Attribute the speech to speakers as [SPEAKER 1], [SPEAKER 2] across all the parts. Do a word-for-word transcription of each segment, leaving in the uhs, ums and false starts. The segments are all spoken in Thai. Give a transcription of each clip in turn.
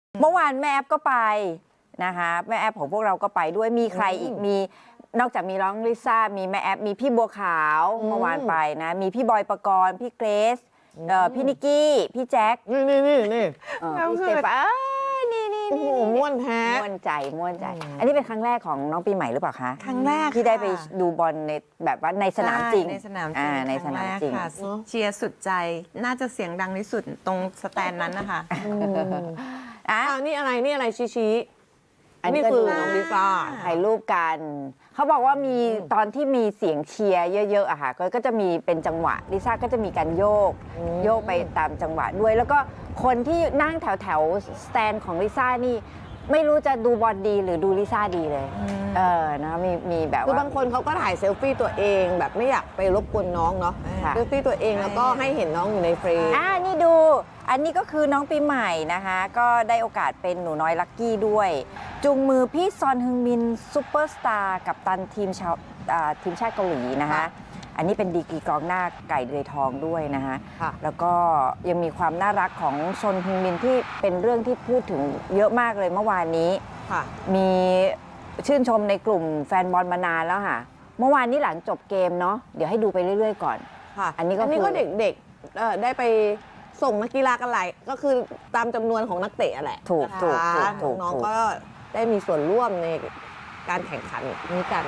[SPEAKER 1] เมื่อวานแม่แอฟก็ไปนะคะแม่แอฟของพวกเราก็ไปด้วยมีใครอีกมีนอกจากมีน้องลิซ่ามีแม่แอฟมีพี่บัวขาวเมื่อวานไปนะมีพี่บอยปกรณ์พี่เกรซพี่นิกกี้พี่แจ็ค
[SPEAKER 2] นี่นี่นี่นี่
[SPEAKER 1] พี่สเตฟานนี่นี่
[SPEAKER 2] โอ้โหม่วนแท้
[SPEAKER 1] ม่วนใจม่วนใจ อันนี้เป็นครั้งแรกของน้องปีใหม่หรือเปล่าคะ
[SPEAKER 3] ครั้งแรก
[SPEAKER 1] ที่ได้ไปดูบอลในแบบว่าในสนามจริง
[SPEAKER 3] ในสนามจริ
[SPEAKER 1] อ่าง ในสนามจริง
[SPEAKER 3] ครั้แกค่ะเชียร์สุดใจน่าจะเสียงดังที่สุดตรงสแตนนั้นนะคะ
[SPEAKER 1] อ่ะ
[SPEAKER 2] อ่านี่อะไรนี่อะไรชี้ชี้
[SPEAKER 1] อันนี้
[SPEAKER 2] นี่
[SPEAKER 1] ก็
[SPEAKER 2] คือ
[SPEAKER 1] ดู
[SPEAKER 2] น้องลิซ่า
[SPEAKER 1] ถ่ายรูปกัน เขาบอกว่ามีตอนที่มีเสียงเชียร์เยอะๆอะค่ะก็ก็จะมีเป็นจังหวะลิซ่าก็จะมีการโยก โยกไปตามจังหวะด้วย แล้วก็คนที่นั่งแถวแถวสแตนของลิซ่านี่ไม่รู้จะดูบอลดีหรือดูลิซ่าดีเลย เออนะมีมีแบบ
[SPEAKER 2] คือ
[SPEAKER 1] ว่า
[SPEAKER 2] บางคนเขาก็ถ่ายเซลฟี่ตัวเองแบบไม่อยากไปรบกวนน้องเนาะ
[SPEAKER 1] ค่ะ
[SPEAKER 2] เซลฟี่ตัวเองแล้วก็ให้เห็นน้องอยู่ในเฟรม
[SPEAKER 1] อ่านี่ดู อันนี้ก็คือน้องปีใหม่นะคะ ก็ได้โอกาสเป็นหนูน้อยลักกี้ด้วย จูงมือพี่ซอนฮึงมินซูเปอร์สตาร์กับตันทีมชาวอ่าทีมชาติเกาหลีนะคะ
[SPEAKER 2] ค่ะ
[SPEAKER 1] อันนี้เป็นดีกรีกองหน้าไก่เดือยทองด้วยนะคะ
[SPEAKER 2] ค่ะ
[SPEAKER 1] แล้วก็ยังมีความน่ารักของซอนฮึงมินที่เป็นเรื่องที่พูดถึงเยอะมากเลยเมื่อวานนี้
[SPEAKER 2] ค่ะ
[SPEAKER 1] มีชื่นชมในกลุ่มแฟนบอลมานานแล้วค่ะ เมื่อวานนี้หลังจบเกมเนาะ เดี๋ยวให้ดูไปเรื่อยๆก่อน
[SPEAKER 2] ค่ะ
[SPEAKER 1] อันนี้ก็
[SPEAKER 2] อันนี้
[SPEAKER 1] คือ
[SPEAKER 2] ก็เด็กๆเอ่อได้ไปส่งนักกีฬากันหลายก็คือตามจำนวนของนักเตะอะแหละ
[SPEAKER 1] ถูกถูกถูกถูก
[SPEAKER 2] น้อง
[SPEAKER 1] ถูก
[SPEAKER 2] ๆก็ได้มีส่วนร่วมในการแข่งขันนี้กัน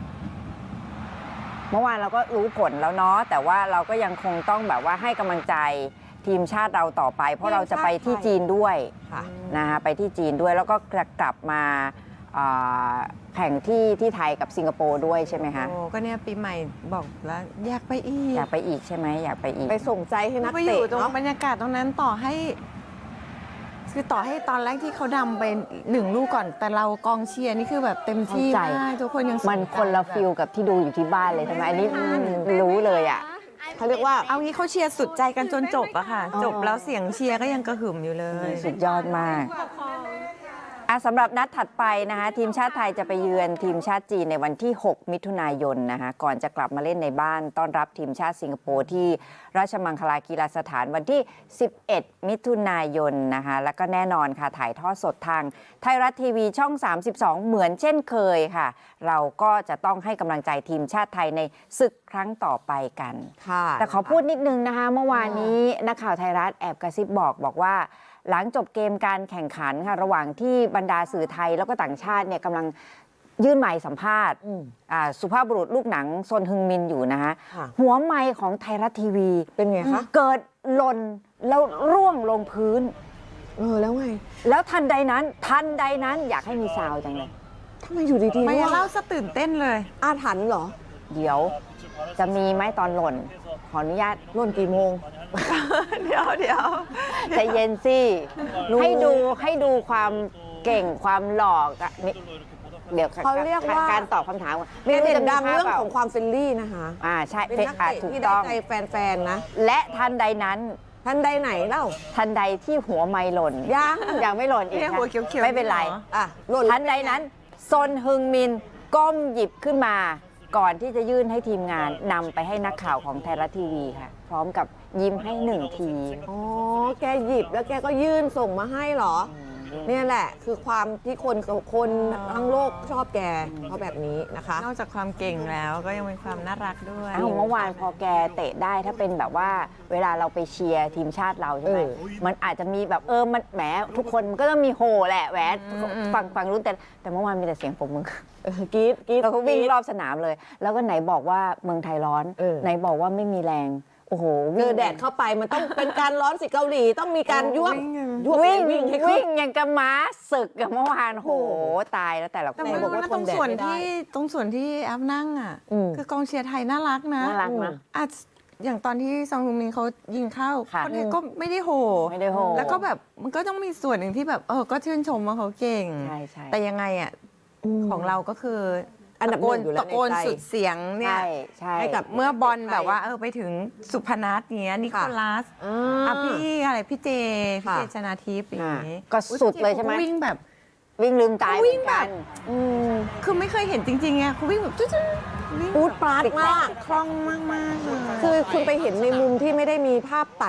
[SPEAKER 1] เมื่อวานเราก็รู้ผลแล้วเนาะ แต่ว่าเราก็ยังคงต้องแบบว่าให้กำลังใจทีมชาติเราต่อไป เพราะเราจะไปที่จีนด้วย
[SPEAKER 2] ค่ะ
[SPEAKER 1] นะคะไปที่จีนด้วยแล้วก็จะกลับมาอ่าแข่งที่ที่ไทยกับสิงคโปร์ด้วยใช่ไหมคะ
[SPEAKER 3] โอ้ก็เนี่ยปีใหม่บอกแล้วอยากไปอีก
[SPEAKER 1] อยากไปอีกใช่ไหมอยากไปอีก
[SPEAKER 2] ไปส่งใจให้นัก
[SPEAKER 3] ไปอ
[SPEAKER 2] เตะ
[SPEAKER 3] ยู่ตรง
[SPEAKER 2] เนาะ
[SPEAKER 3] บรรยากาศตรงนั้นต่อให้ คือต่อให้ตอนแรกที่เขาดำไปหนึ่งลูกก่อน แต่เรากองเชียร์นี่คือแบบเต็มที่
[SPEAKER 1] เข้าใจ
[SPEAKER 3] มากทุกคนยังส
[SPEAKER 1] มันคนละฟิลกับที่ดูอยู่ที่บ้านเลยใช่ไหมอันนี้รู้เลยอ่ะ
[SPEAKER 2] เขาเรียกว่า
[SPEAKER 3] เอางี้เขาเชียร์สุดใจกันจนจบอะค่ะ จบแล้วเสียงเชียร์ก็ยังกระหึ่มอยู่เลย
[SPEAKER 1] สุดยอดมากอ่ะสำหรับนัดถัดไปนะคะทีมชาติไทยจะไปเยือนทีมชาติจีนในวันที่ หก มิถุนายนนะคะก่อนจะกลับมาเล่นในบ้านต้อนรับทีมชาติสิงคโปร์ที่ราชมังคลากีฬาสถานวันที่ สิบเอ็ด มิถุนายนนะคะแล้วก็แน่นอนค่ะถ่ายทอดสดทางไทยรัฐทีวีช่อง สามสิบสอง เหมือนเช่นเคยค่ะ เราก็จะต้องให้กำลังใจทีมชาติไทยในศึกครั้งต่อไปกัน
[SPEAKER 2] ค่ะ
[SPEAKER 1] แต่ขอพูดนิดนึงนะคะ เมื่อวานนี้นักข่าวไทยรัฐแอบกระซิบบอกบอกว่า หลังจบเกมการแข่งขันค่ะระหว่างที่บรรดาสื่อไทยแล้วก็ต่างชาติเนี่ยกำลังยื่นไมค์สัมภาษณ์
[SPEAKER 2] อืม
[SPEAKER 1] อ่าสุภาพบุรุษลูกหนังซนฮึงมินอยู่นะคะ
[SPEAKER 2] ค่ะ
[SPEAKER 1] หัวไมค์ของไทยรัฐทีวี
[SPEAKER 2] เป็นไงคะ
[SPEAKER 1] เกิดหล่นแล้วร่วงลงพื้น
[SPEAKER 2] เออแล้วไง
[SPEAKER 1] แล้วทันใดนั้น ทันใดนั้นอยากให้มีซาวด์จังเลย
[SPEAKER 2] ทำไมอยู่ดีๆ
[SPEAKER 3] ไม่
[SPEAKER 2] ว่า
[SPEAKER 3] เล่าซะตื่นเต้นเลย
[SPEAKER 2] อาถรรพ์เหรอ
[SPEAKER 1] เดี๋ยวจะมีไหมตอนหล่น ขออนุญาต
[SPEAKER 2] ร่นกี่โมง
[SPEAKER 3] เดี๋ยวเดี๋ยว
[SPEAKER 1] ใจเย็นสิ
[SPEAKER 2] รู้
[SPEAKER 1] ให้ดูให้ดูความเก่งความหลอกอะนี่เดี๋ยว
[SPEAKER 2] เขาเรียกว่า
[SPEAKER 1] การตอบคำถามก่อน
[SPEAKER 2] เด่น
[SPEAKER 1] จะมี
[SPEAKER 2] ดัง
[SPEAKER 1] ภาพ
[SPEAKER 2] เรื่อง
[SPEAKER 1] ปล่า
[SPEAKER 2] ของความเฟรนลี่นะคะ
[SPEAKER 1] อ่าใช่
[SPEAKER 2] เป็นนัก
[SPEAKER 1] อ่า
[SPEAKER 2] เตะ
[SPEAKER 1] ถูก
[SPEAKER 2] ที่ได้
[SPEAKER 1] ต้อง
[SPEAKER 2] ใจแฟนๆนะ
[SPEAKER 1] และทันใดนั้น
[SPEAKER 2] ท่านใดไหนเล่า
[SPEAKER 1] ทันใดที่หัวไม่หล่น
[SPEAKER 2] ยัง
[SPEAKER 1] ยังไม่หล่นอีก
[SPEAKER 3] เนี่ย
[SPEAKER 1] ค่ะ
[SPEAKER 3] หัวเขียวๆ
[SPEAKER 1] ไม่เป็นไร
[SPEAKER 3] หรอ
[SPEAKER 2] อ่ะหล่น
[SPEAKER 1] ทันใดนั้นซนฮึงมินก้มหยิบขึ้นมาก่อนที่จะยื่นให้ทีมงานนำไปให้นักข่าวของไทยรัฐทีวีค่ะ พร้อมกับยิ้มให้หนึ่งที
[SPEAKER 2] อ๋อ แกหยิบแล้วแกก็ยื่นส่งมาให้เหรอ เนี่ยแหละ คือความที่คนคนทั้งโลกชอบแกเพราะแบบนี้นะคะ
[SPEAKER 3] นอกจากความเก่งแล้วก็ยังมีความน่ารักด้วย
[SPEAKER 1] อ้าวเมื่อวานพอแกเตะได้ถ้าเป็นแบบว่าเวลาเราไปเชียร์ทีมชาติเราใช่ไหม
[SPEAKER 2] เออ
[SPEAKER 1] มันอาจจะมีแบบเออมันแหมทุกคนมันก็ต้องมีโหแหละแหวนฝั่งฝั่งรุ่นแต่แต่เมื่อวานมีแต่เสียงปรบมือ
[SPEAKER 2] เออกรีดกรีด
[SPEAKER 1] เราก็วิ่งรอบสนามเลย แล้วก็ไหนบอกว่าเมืองไทยร้อน
[SPEAKER 2] เออ
[SPEAKER 1] ไหนบอกว่าไม่มีแรงโอ้โห
[SPEAKER 2] เจอแดดเข้าไปมันต้องเป็นการร้อนสิเกาหลีต้องมีการยวบยวบ
[SPEAKER 1] วิ่ง
[SPEAKER 2] วิ่งให้ขึ้
[SPEAKER 1] วิ่
[SPEAKER 2] น
[SPEAKER 1] งอย่างกับม้าศึกกับเมื่อวานโอ้โหตายแล้วแต่ละค
[SPEAKER 3] แต่
[SPEAKER 1] น
[SPEAKER 3] ว่า
[SPEAKER 2] บอกว่า
[SPEAKER 3] ตรงส่วน
[SPEAKER 2] ทนแดดไม่ได้
[SPEAKER 3] ที่ตรงส่วนที่แอฟนั่งอ่ะ
[SPEAKER 2] อืม
[SPEAKER 3] คือกองเชียร์ไทยน่ารักนะ
[SPEAKER 1] น่ารักนะ
[SPEAKER 3] อ่ะอย่างตอนที่ซองฮึงมินเขายิงเข้า
[SPEAKER 1] ค่ะ
[SPEAKER 3] คนไทยก็ไม่ได้โห
[SPEAKER 1] ไม่ได้โห
[SPEAKER 3] แล้วก็แบบมันก็ต้องมีส่วนหนึ่งที่แบบเออก็ชื่นชมว่าเขาเก่ง
[SPEAKER 1] ใช่ใช่
[SPEAKER 3] แต่ยังไงอ่ะของเราก็คือ
[SPEAKER 2] อันดับหนึ่งอยู่แล้ว
[SPEAKER 3] ตะโกน
[SPEAKER 2] ในใจ
[SPEAKER 3] สุดเสียงเนี่ย
[SPEAKER 1] ใช่ใช่
[SPEAKER 2] ให้กับ
[SPEAKER 3] เมื่อบอลแบบว่าเออไปถึงสุพนัทเนี้ยนิโคลัส
[SPEAKER 2] อ่
[SPEAKER 3] อ่ะ
[SPEAKER 2] า
[SPEAKER 3] พี่อะไรพี่เจพี่
[SPEAKER 2] ค่ะ
[SPEAKER 3] เจชนาทิพย์อย่างนี้
[SPEAKER 1] ก็สุดเลยใช่ไหม
[SPEAKER 3] อุ๊พี่จขาก็วิ่งแบบ
[SPEAKER 1] วิ่งลืมตายเหมือนกัน
[SPEAKER 2] อืม
[SPEAKER 3] คือไม่เคยเห็นจริงๆไงเขาวิ่งแบบจุ๊ดๆวิ่ง
[SPEAKER 2] ปูดปราดมาก
[SPEAKER 3] คล่องมากๆเลย
[SPEAKER 2] คือคุณไปเห็นในมุมที่ไม่ได้มีภาพตัด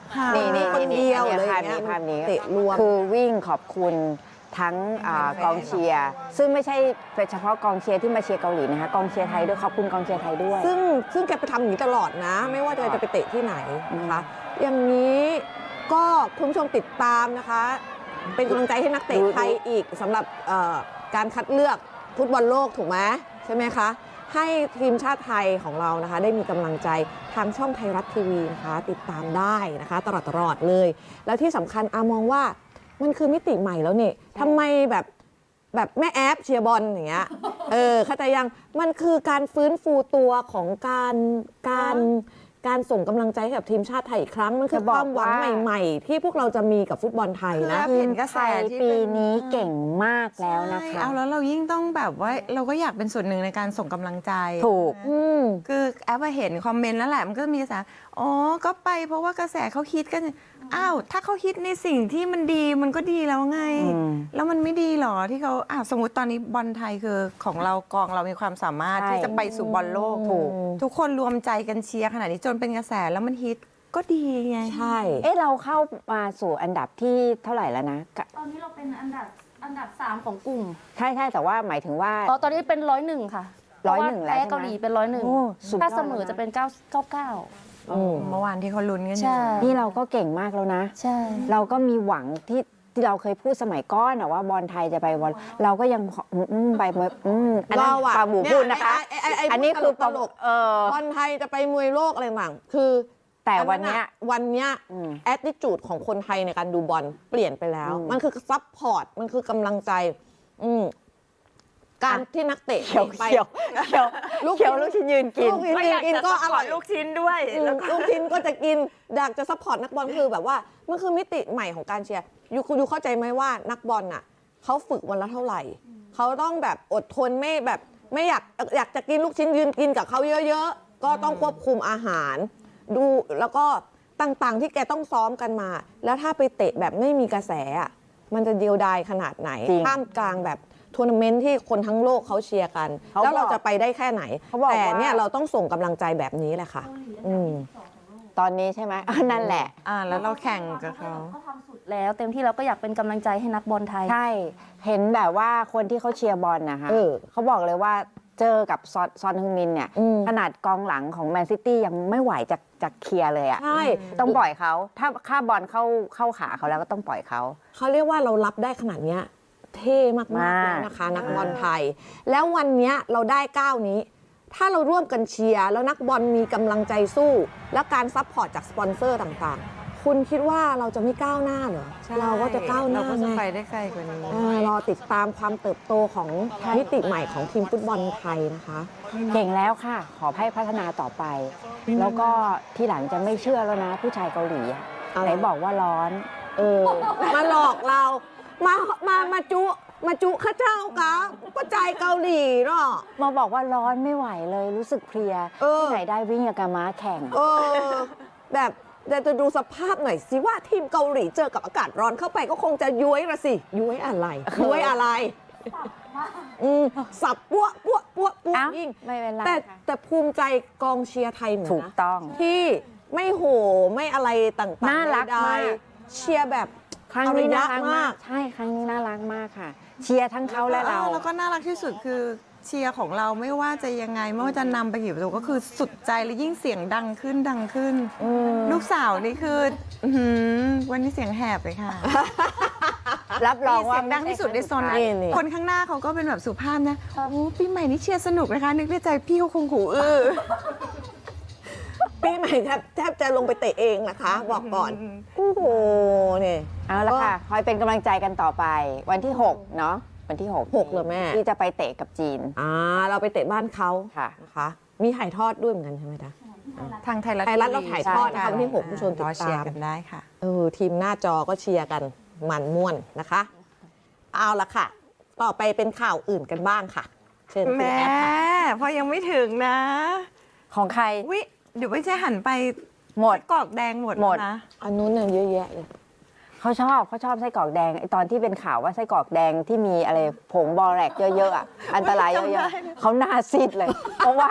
[SPEAKER 3] ค่ะ
[SPEAKER 1] นี่นี่
[SPEAKER 2] คนเดียว
[SPEAKER 1] นี่
[SPEAKER 2] เลย
[SPEAKER 1] ภาพ
[SPEAKER 2] อย่างเงี้
[SPEAKER 1] นี้
[SPEAKER 2] ย
[SPEAKER 1] ภาพนี้
[SPEAKER 2] เตะรวม
[SPEAKER 1] คือวิ่งขอบคุณทั้งอ่ากองเชียร์ซึ่งไม่ใช่เฉพาะกองเชียร์ที่มาเชียร์เกาหลีนะคะกองเชียร์ไทยด้วยขอบคุณกองเชียร์ไทยด้วย
[SPEAKER 2] ซึ่งซึ่งแกไปทำอย่างนี้ตลอดนะ ไม่ว่าแกจะไปเตะที่ไหนนะคะ อย่างนี้ก็คุณผู้ชมติดตามนะคะ เป็นกำลังใจให้นักเตะ
[SPEAKER 1] ดู
[SPEAKER 2] ไทยอีกสำหรับเอ่อการคัดเลือกฟุตบอลโลกถูกไหมใช่ไหมคะ ให้ทีมชาติไทยของเรานะคะ ได้มีกำลังใจทางช่องไทยรัฐทีวีนะคะ ติดตามได้นะคะ ตลอดตลอดเลย แล้วที่สำคัญอามองว่ามันคือมิติใหม่แล้วนี่ทำไมแบบแบบแม่แอปเชียร์บอลอย่างเงี้ยเออเข้าใจยังมันคือการฟื้นฟูตัวของการการการส่งกำลังใจให้กับทีมชาติไทยอีกครั้งมันคือ
[SPEAKER 1] จะ
[SPEAKER 2] ค
[SPEAKER 1] บอก
[SPEAKER 2] วามหวัง
[SPEAKER 1] ว่า
[SPEAKER 2] ใหม่ ๆ ที่พวกเราจะมีกับฟุตบอลไทยนะ
[SPEAKER 3] คือ เห็นกระแส
[SPEAKER 1] ไทย
[SPEAKER 3] ที่
[SPEAKER 1] ปี
[SPEAKER 3] เป็น
[SPEAKER 1] นี้เก่งมากแล้วนะ
[SPEAKER 3] ใช่
[SPEAKER 1] คะ
[SPEAKER 3] เอาแล้วเรายิ่งต้องแบบว่าเราก็อยากเป็นส่วนหนึ่งในการส่งกำลังใจ
[SPEAKER 1] ถูก
[SPEAKER 3] นะ
[SPEAKER 2] อืม
[SPEAKER 3] คือแอปอะเห็นคอมเมนต์แล้วแหละมันก็มีกระแสอ๋อก็ไปเพราะว่ากระแสเขาฮิตกันอ้าวถ้าเขาฮิตในสิ่งที่มันดีมันก็ดีแล้วไง
[SPEAKER 1] อืม
[SPEAKER 3] แล้วมันไม่ดีหรอที่เขาอ่ะสมมติตอนนี้บอลไทยคือของเรากองเรามีความสามารถ
[SPEAKER 1] ใช่
[SPEAKER 3] ที่จะไปสู่บอลโลก
[SPEAKER 2] ถูก
[SPEAKER 3] ทุกคนรวมใจกันเชียร์ขนาดนี้จนเป็นกระแสแล้วมันฮิตก็ดีไง
[SPEAKER 2] ใช่
[SPEAKER 1] เอ๊ะเราเข้ามาสู่อันดับที่เท่าไหร่แล้วนะกะ
[SPEAKER 4] ตอนนี้เราเป็นอันดับอันดับสามของกลุ่ม
[SPEAKER 1] ใช่ใช่แต่ว่าหมายถึงว่า
[SPEAKER 4] อ๋อตอนนี้เป็นร้อยหนึ่งค่ะ
[SPEAKER 1] ร้อยหนึ่งแล้ว
[SPEAKER 4] เพาะา
[SPEAKER 1] ใช่ไหม
[SPEAKER 4] แพ้เกาหลีเป็นร้อยหนึ่ง
[SPEAKER 1] โอ้สุดยอด
[SPEAKER 4] ถ้าเสมอ
[SPEAKER 1] แล้วนะ
[SPEAKER 4] จะเป็นเก้าเก้าเก้า
[SPEAKER 2] อืม
[SPEAKER 3] เมื่อวานที่เขาลุ้นกันอยู่
[SPEAKER 4] ใช่
[SPEAKER 1] นี่เราก็เก่งมากแล้วนะ
[SPEAKER 4] ใช่
[SPEAKER 1] เราก็มีหวังที่ที่เราเคยพูดสมัยก้อนอะว่าบอลไทยจะไปบอลเราก็ยังอืมอืมไปเมื่ออืมอันนั้น
[SPEAKER 2] เราอะ
[SPEAKER 1] ปลาหมู
[SPEAKER 2] เนี่ย
[SPEAKER 1] พูดนะคะ
[SPEAKER 2] ไอ้ไอ้ไอ้
[SPEAKER 1] อันนี้คือ
[SPEAKER 2] ตลก
[SPEAKER 1] เออบ
[SPEAKER 2] อลไทยจะไปมวยโลกอะไรต่างคือ
[SPEAKER 1] แต่วันเนี้ย
[SPEAKER 2] วันเนี้ย
[SPEAKER 1] อืม
[SPEAKER 2] แอ t ติจูดของคนไทยในการดูบอลเปลี่ยนไปแล้ว
[SPEAKER 1] อืม
[SPEAKER 2] มันคือซัพพอร์ต มันคือกำลังใจ อืมการที่นักเตะ
[SPEAKER 1] เขียว
[SPEAKER 2] ไป
[SPEAKER 1] เขียวเขียว
[SPEAKER 2] ลูก
[SPEAKER 1] เขียวลูกชิ้นยืนกิน
[SPEAKER 2] ลูกชิ้นยืนกินก็อร่อย
[SPEAKER 3] ลูกชิ้นด้วย
[SPEAKER 2] อืมลูกชิ้นก็จะกินอยากจะซัพพอร์ตนักบอลคือแบบว่ามันคือมิติใหม่ของการเชียร์ยูคุณยูเข้าใจไหมว่านักบอลน่ะเขาฝึกวันละเท่าไหร่ เขาต้องแบบอดทนไม่แบบไม่อยากอยากจะกินลูกชิ้นยืนกินกับเขาเยอะๆ ก็ต้องควบคุมอาหาร ดูแล้วก็ต่างๆที่แกต้องซ้อมกันมา แล้วถ้าไปเตะแบบไม่มีกระแสอะมันจะเดียวดายขนาดไหน
[SPEAKER 1] จริง
[SPEAKER 2] ท่ามกลางแบบทัวร์นาเมนต์ที่คนทั้งโลกเขาเชียร์กัน
[SPEAKER 1] เขา
[SPEAKER 2] แล้วเรา
[SPEAKER 1] บอก
[SPEAKER 2] จะไปได้แค่ไหน
[SPEAKER 1] เขาบอก
[SPEAKER 2] แต่เนี่ย
[SPEAKER 1] ว่า
[SPEAKER 2] เราต้องส่งกำลังใจแบบนี้แหละค่ะ อืม
[SPEAKER 1] ตอนนี้ใช่ไหมอ่ะนั่นแหละ
[SPEAKER 3] อ่าแล้วเราแข่งกับเขา
[SPEAKER 4] ก็ทำสุดแล้วเต็มที่เราก็อยากเป็นกำลังใจให้นักบอลไทย
[SPEAKER 1] ใช่ เห็นแบบว่าคนที่เขาเชียร์บอลนะคะ
[SPEAKER 2] เออ
[SPEAKER 1] เขาบอกเลยว่าเจอกับซอนซอนฮึงมินเนี่ย
[SPEAKER 2] อืม
[SPEAKER 1] ขนาดกองหลังของแมนซิตี้ยังไม่ไหวจะจะเคลียร์เลยอะ
[SPEAKER 2] ใช่
[SPEAKER 1] ต้องปล่อยเขา ถ้าค่าบอลเข้าเข้าขาเขาแล้วก็ต้องปล่อยเขา
[SPEAKER 2] เขาเรียกว่าเรารับได้ขนาดเนี้ยเท่มาก
[SPEAKER 1] มาก
[SPEAKER 2] ๆแล้วนะคะ นักบอลไทย แล้ววันเนี้ยเราได้ก้าวนี้ ถ้าเราร่วมกันเชียร์แล้วนักบอลมีกำลังใจสู้ แล้วการซัพพอร์ตจากสปอนเซอร์ต่างๆ คุณคิดว่าเราจะไม่ก้าวหน้าเหรอ เราก็จะก้าวหน้า
[SPEAKER 3] เราก็จะ
[SPEAKER 2] ไง
[SPEAKER 3] ไปได้ไกลกว่านี้
[SPEAKER 2] เออรอติดตามความเติบโตของมิติใหม่ของทีมฟุตบอลไทยนะคะ
[SPEAKER 1] เก่งแล้วค่ะ ขอให้พัฒนาต่อไป แล้วก็ที่หลังจะไม่เชื่อแล้วนะ ผู้ชายเกาหลีอะ
[SPEAKER 2] อะไร
[SPEAKER 1] ไหนบอกว่าร้อน
[SPEAKER 2] เออ มาหลอกเรา มา มา มาจุ มาจุข้าเจ้ากะก็ใจเกาหลีเนาะ
[SPEAKER 1] มาบอกว่าร้อนไม่ไหวเลยรู้สึกเพลีย
[SPEAKER 2] เออ
[SPEAKER 1] ที่ไหนได้วิ่งกับกาม้าแข่ง
[SPEAKER 2] เออ แบบแต่จะดูสภาพหน่อยสิว่าทีมเกาหลีเจอกับอากาศร้อนเข้าไปก็คงจะย้วยละสิ ย้วยอะไร ย้วยอะไร อืมสับปั้วปั้วปั้วปั้ว
[SPEAKER 1] เอ้า
[SPEAKER 2] ยิ่ง
[SPEAKER 1] ไม่เป็นไร
[SPEAKER 2] แต่
[SPEAKER 1] ค่ะ
[SPEAKER 2] แต่ภูมิใจกองเชียร์ไทยเหมือน
[SPEAKER 1] ถูก
[SPEAKER 2] นะ
[SPEAKER 1] ต้อง
[SPEAKER 2] ที่ไม่โหไม่อะไรต่างๆ
[SPEAKER 1] น่ารัก
[SPEAKER 2] ใดๆ
[SPEAKER 1] มาก
[SPEAKER 2] เชียร์แบบ
[SPEAKER 1] ครั้งนี้น่า
[SPEAKER 2] อ
[SPEAKER 1] รัก
[SPEAKER 2] ยะ
[SPEAKER 1] มาก ใช่ ครั้งนี้น่ารักมากค่ะ เชียร์ทั้งเขาและเรา
[SPEAKER 3] แล้วก็น่ารักที่สุดคือเชียร์ของเราไม่ว่าจะยังไงไม่ว่าจะนำไปกี่ประตูก็คือสุดใจและยิ่งเสียงดังขึ้นดังขึ้น ลูกสาวนี่คืออื้อหือวันนี้เสียงแหบเลยค่ะ
[SPEAKER 1] รับรองว่า
[SPEAKER 3] เสียงดังที่สุดในโซน
[SPEAKER 1] ไม่
[SPEAKER 3] นั้
[SPEAKER 1] ใช่
[SPEAKER 3] น
[SPEAKER 2] นี่
[SPEAKER 3] คนข้างหน้าเขาก็เป็นแบบสุภาพนะโอ้ปีใหม่นี้เชียร์สนุกนะคะ นึกในใจพี่เขาคงหูอื้อ
[SPEAKER 2] ปีใหม่แทบแทบจะลงไปเตะเองนะคะ บอกก่อนโอ้โหเนี่ย
[SPEAKER 1] เอาละค่ะ คอยเป็นกำลังใจกันต่อไป วันที่ หก เนาะ วันที่ หก
[SPEAKER 2] หกเหรอแม่
[SPEAKER 1] ที่จะไปเตะกับจีน
[SPEAKER 2] อ่าเราไปเตะบ้านเขา
[SPEAKER 1] ค่ะ
[SPEAKER 2] นะคะ มีถ่ายทอดด้วยเหมือนกันใช่ไหมจ๊ะ
[SPEAKER 3] ทางไทยรัฐ
[SPEAKER 2] ไทยรัฐเราถ่ายทอดนะคะวันที่หก
[SPEAKER 3] ใช่
[SPEAKER 2] ผู้ชมติดตาม
[SPEAKER 3] รอเชียร์กันได้ค่ะ
[SPEAKER 2] เออทีมหน้าจอก็เชียร์กันมันม่วนนะคะ เอาละค่ะ ต่อไปเป็นข่าวอื่นกันบ้างค่ะ เชิญคุณ
[SPEAKER 3] แม่
[SPEAKER 2] แอฟค่ะ
[SPEAKER 3] พอยังไม่ถึงนะ
[SPEAKER 1] ของใคร
[SPEAKER 3] วิเดี๋ยวไม่ใช่หันไป
[SPEAKER 1] หมด
[SPEAKER 3] กรอกแดงหมด
[SPEAKER 1] หมด
[SPEAKER 3] แล้วนะ
[SPEAKER 2] อันนู้นเนี่ยเยอะแยะเลย
[SPEAKER 1] เขาชอบเขาชอบไส้กรอกแดงไอตอนที่เป็นข่าวว่าไส้กรอกแดงที่มีอะไรผงบอแรกเยอะๆอ่ะ อันตรายเยอะๆเขาหน้าซีดเลย เพราะว่า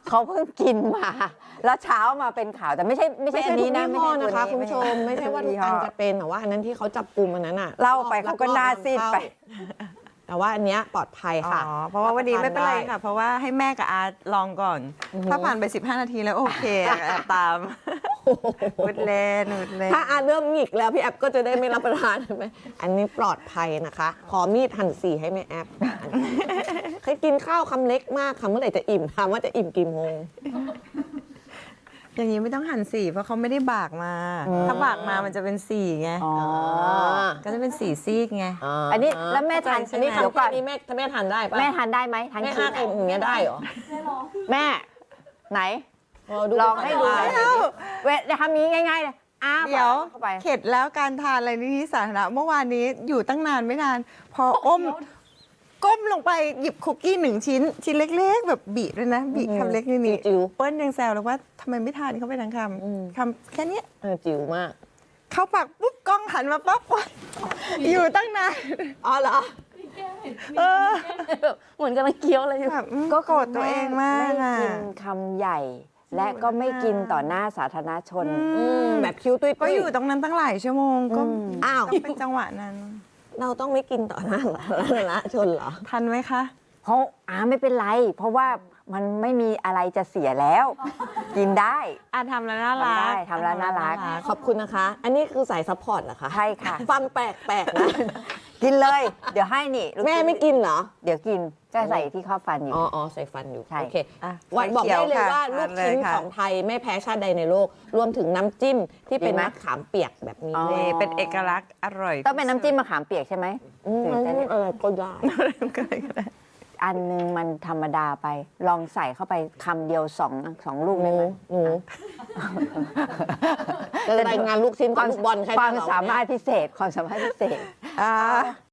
[SPEAKER 1] เขาเพิ่งกินมา แล้วเช้ามาเป็นข่าวแต่ไม่ใช่ไม่ใช่
[SPEAKER 2] ไม่
[SPEAKER 1] อั
[SPEAKER 2] ใช่
[SPEAKER 1] น
[SPEAKER 2] ทุ
[SPEAKER 1] นี้
[SPEAKER 2] ก
[SPEAKER 1] นะ
[SPEAKER 2] ยี่ห้อนะคะ
[SPEAKER 1] ตั
[SPEAKER 2] คุณ
[SPEAKER 1] ว
[SPEAKER 2] ผู้ชมไม่ใช่ว่าทุกอันจะเป็นแต่ว่าอันนั้นที่เขาจับกลุ่มอันนั้นอ่ะ
[SPEAKER 1] เล่าไปเขาก็หน้าซีดไป
[SPEAKER 2] แต่ว่าอันเนี้ยปลอดภัย
[SPEAKER 3] อ๋
[SPEAKER 2] ค่ะ
[SPEAKER 3] อ เพราะว่าวันนี้ไม่เป็นไร
[SPEAKER 2] ด้
[SPEAKER 3] ค่ะ เพราะว่าให้แม่กับอาลองก่อน ถ้าผ่านไปสิบห้านาทีแล้วโอเคแอบตามอุดเล่นอุดเล่น
[SPEAKER 2] ถ้าอาเริ่มหงิกแล้วพี่แอปก็จะได้ไม่รับประทานใช่ไหมอันนี้ปลอดภัยนะคะ ขอมีดหั่นสีให้แม่แอปเคยกินข้าวคำเล็กมากค่ะเมื่อไหร่จะอิ่มถามว่าจะอิ่มกี่โมง
[SPEAKER 3] อย่างนี้ไม่ต้องหั่นสีเพราะเขาไม่ได้บากมา ถ้าบากมามันจะเป็นสีไง
[SPEAKER 1] อ๋อ
[SPEAKER 3] ก็จะเป็นสีซีกไง
[SPEAKER 1] อันนี้แล้วแม่ทาน
[SPEAKER 2] อันนี้
[SPEAKER 1] เดี๋ยว
[SPEAKER 2] คำ
[SPEAKER 1] ก่
[SPEAKER 2] แค่
[SPEAKER 1] อน
[SPEAKER 2] นี้แม่แม่ทานได้ปะ
[SPEAKER 1] แม่ทานได้ไหมทาน
[SPEAKER 2] แม่
[SPEAKER 1] ขี้
[SPEAKER 2] ห้าเอ็มอย่างเงี้ยได้เหรอ
[SPEAKER 1] แม่ ไหน
[SPEAKER 2] ดู
[SPEAKER 1] ลองให้ดูหน่อย
[SPEAKER 3] ไม่เอา
[SPEAKER 1] เวททำนี้ง่ายๆเลยอ้า
[SPEAKER 3] เดี๋ยว
[SPEAKER 1] เข้าไป
[SPEAKER 3] เข็ดแล้วการทานอะไรในที่สาธารณะเมื่อวานนี้อยู่ตั้งนานไม่นาน พออมก้มลงไปหยิบคุกกี้หนึ่งชิ้น ชิ้นเล็ก ๆ แบบบีด้วยนะบีคำเล็กนี่นี่
[SPEAKER 2] จิ๋ว
[SPEAKER 3] เปิ้ลยังแซวเลยว่าทำไมไม่ทานเข้าไปทั้งค
[SPEAKER 2] อืม
[SPEAKER 3] ำคำแค่เนี้ย
[SPEAKER 2] เออจิ๋วมาก
[SPEAKER 3] เข้าปากปุ๊บกล้องหันมาปั๊บอยู่ตั้งนาน
[SPEAKER 2] อ๋อเหรอ
[SPEAKER 3] เออ
[SPEAKER 4] แบบเหมือนกำลังเคี้ยวอะไรอยู่
[SPEAKER 3] แบบอืมก็โกรธตัวเองมาก
[SPEAKER 1] ไม่
[SPEAKER 3] อ่ะ
[SPEAKER 1] กินคำใหญ่ และก็ไม่กินต่อหน้าสาธารณชน
[SPEAKER 2] อืมแบบคิ้วตุ้ยๆ
[SPEAKER 3] ก็อยู่ตรงนั้นตั้งหลายชั่วโมงก็
[SPEAKER 2] อ้าว
[SPEAKER 3] ต้องเป็นจังหวะนั้น
[SPEAKER 2] เราต้องไม่กินต่อหน้าสาธารณชนเหรอ
[SPEAKER 3] ทันไหมคะ
[SPEAKER 1] เพราะอาไม่เป็นไร เพราะว่ามันไม่มีอะไรจะเสียแล้ว กินได้
[SPEAKER 3] อ่ะทำแล้วน่ารั
[SPEAKER 1] ทำได้
[SPEAKER 3] ก
[SPEAKER 1] ทำแล้วน่ารัก
[SPEAKER 2] ขอบคุณนะคะ อันนี้คือสายซัพพอร์ตเหรอคะ
[SPEAKER 1] ใช่ค่ะ
[SPEAKER 2] ฟังแปลกๆนะ
[SPEAKER 1] กินเลย เดี๋ยวให้นี่ลู
[SPEAKER 2] แม่ไม่กินเหรอ
[SPEAKER 1] เดี๋ยวกินก็ใส่ที่ข้าวฟันอยู่
[SPEAKER 2] อ๋ออ๋อใส่ฟันอยู่
[SPEAKER 1] ใช่
[SPEAKER 2] โอเค
[SPEAKER 3] อ่ะ
[SPEAKER 2] วัน
[SPEAKER 3] ไฟ
[SPEAKER 2] บอก
[SPEAKER 3] เขีย
[SPEAKER 2] ได้
[SPEAKER 3] ว
[SPEAKER 2] เลย
[SPEAKER 3] ค่ะ
[SPEAKER 2] ว่าลูกชิ้น
[SPEAKER 3] ทานเลยค่ะ
[SPEAKER 2] ของไทยไม่แพ้ชาติใดในโลก รวมถึงน้ำจิ้มที่เป็น
[SPEAKER 1] ดีไหม
[SPEAKER 2] มะขามเปียกแบบนี้
[SPEAKER 1] อ๋อ
[SPEAKER 2] ด้วย
[SPEAKER 3] นี่เป็นเอกลักษณ์อร่อย
[SPEAKER 1] ต้องเป็นน้ำจิ้มมะขามเปียกใช่ไหม
[SPEAKER 2] อืม
[SPEAKER 1] ถึงจะได้
[SPEAKER 2] อะไรก็ได้
[SPEAKER 3] ก็เลยก็ได้
[SPEAKER 1] อันนึงมันธรรมดาไป ลองใส่เข้าไปคำเดียวสองสองลูก
[SPEAKER 2] ห
[SPEAKER 1] ได้
[SPEAKER 2] นู
[SPEAKER 1] ไหม
[SPEAKER 2] หนูจะรายงานลูกชิ้นกับลูกบอลใคร
[SPEAKER 1] ความ
[SPEAKER 2] จะเอ
[SPEAKER 1] สามารถพิเศษความสามารถพิเศษ
[SPEAKER 3] อ่า